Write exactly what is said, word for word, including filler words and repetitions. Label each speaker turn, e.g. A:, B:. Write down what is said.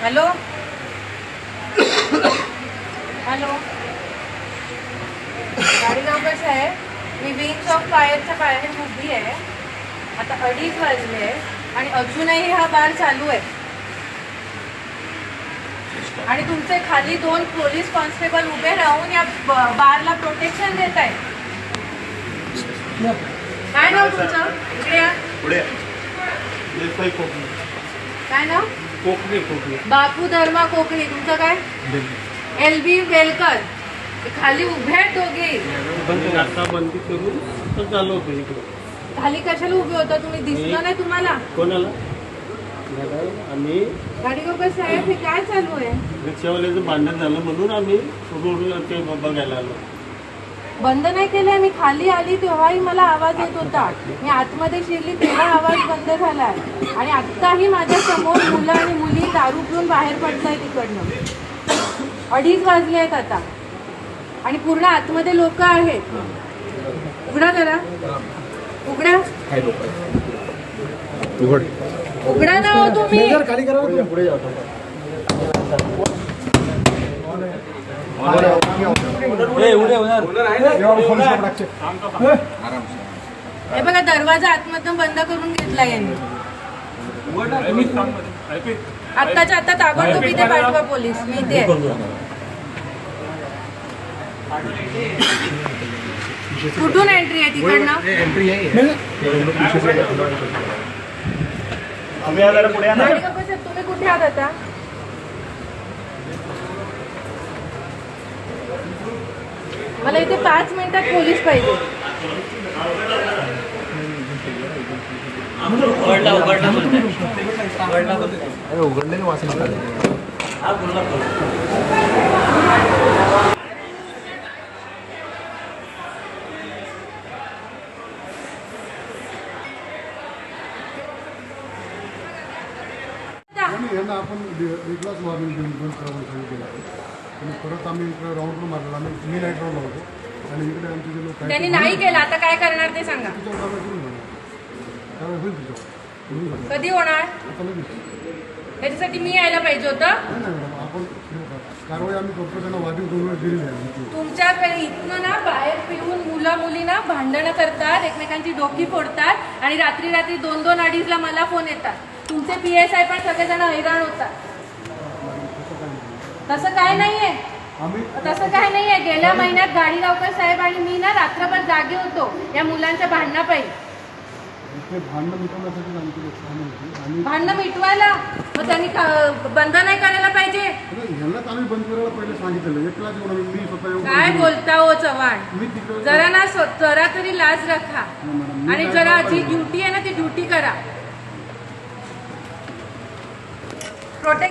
A: Hello hello Gadigaonkar साहेब, मी wings of फायरच्या बाहेर उभी आहे. आता अडीच वाजले आहे आणि अजूनही हा बार चालू आहे आणि तुमचे खाली दोन पोलीस कॉन्स्टेबल उभे राहून या बारला प्रोटेक्शन देत आहेत. काय नाव तुमचं? इकडे या.
B: पुढे
A: काय नाव?
B: कोकणी कोकणी
A: बापू धर्मा कोकणी. तुमचं काय? L B Velkar. खाली उभे आहेत दोघे.
B: आता बंदी करून तर चालू होतं इकडे.
A: खाली कशाला उभे होता तुम्ही? दिसलं नाही तुम्हाला?
B: कोणाला? आम्ही
A: गाडीगावकर साहेब, हे काय चालू आहे?
B: रिक्षावाल्याचं भांडण झालं म्हणून आम्ही रोडला ते बघायला आलो.
A: बंद नाही केलंय. मी खाली आली तेव्हाही मला आवाज येत होता. मी आतमध्ये शिरली तेव्हा आवाज बंद झालाय आणि आत्ताही माझ्या समोर मुलं आणि मुली दारू पिऊन बाहेर पडताय तिकडनं. अडीच वाजले आहेत आता आणि पूर्ण आतमध्ये लोक आहेत. उघडा जरा, उघडा
C: उघड
A: उघडा ना हो तुम्ही.
C: खाली करा. पुढे जातो.
A: हे बघा, दरवाजा आतमधून बंद करून घेतला यांनी. आत्ताच्या आता ताबडतोब इथे पाठवा पोलीस. मी इथे आहे. कुठून एंट्री आहे तिकडनं?
C: एंट्री आहे.
A: तुम्ही कुठे आहात आता? मला इथे पाच मिनिटात पोलीस पाहिजे.
C: उघडलेलं वाचन यांना आपण वेगळाच वॉर्निंग देऊन बंद करावं सांगितलेलं आहे. आणि परत आम्ही इकडे राऊंड मारला. आम्ही मी नाईट राऊंड लावतो आणि इकडे आमचे जे लोक
A: त्यांनी नाही केलं, आता काय करणार ते सांगा.
C: त्यावेळेस होईल तुझ्यावर.
A: कधी होणार?
C: आता लगेच
A: त्याच्यासाठी मी यायला पाहिजे होतं.
C: नाही नाही मॅडम, आपण कारवाई आम्ही करतो. त्यांना वाढीव दोन वेळा दिलेली आहे.
A: तुमच्याकडे इथनं ना बाहेर पिऊन मुलं मुली ना भांडणं करतात, एकमेकांची डोकी फोडतात आणि रात्री रात्री दोन दोन अडीचला मला फोन येतात. तुमचे पी एस आय पण सगळेजण हैराण होतात. तसं काय नाहीये, तसं काय नाहीये. गेल्या महिन्यात गाडीगावकर साहेब आणि मी ना रात्रभर जागे होतो या मुलांच्या भांडणापायी.
C: भांडणं मिटवण्यासाठी आमची
A: भांडणं मिटवायला मग त्यांनी बंद नाही करायला पाहिजे.
C: ह्यांनाच आम्ही बंद करायला पहिले सांगितलेलं. एकलाच येऊन मी स्वतः
A: काय बोलता हो चव्हाण?
C: मी तिकडे
A: जरा ना जरा तरी लाज रखा आणि जरा जी ड्युटी आहे ना ती ड्युटी करा. प्रोटेक्ट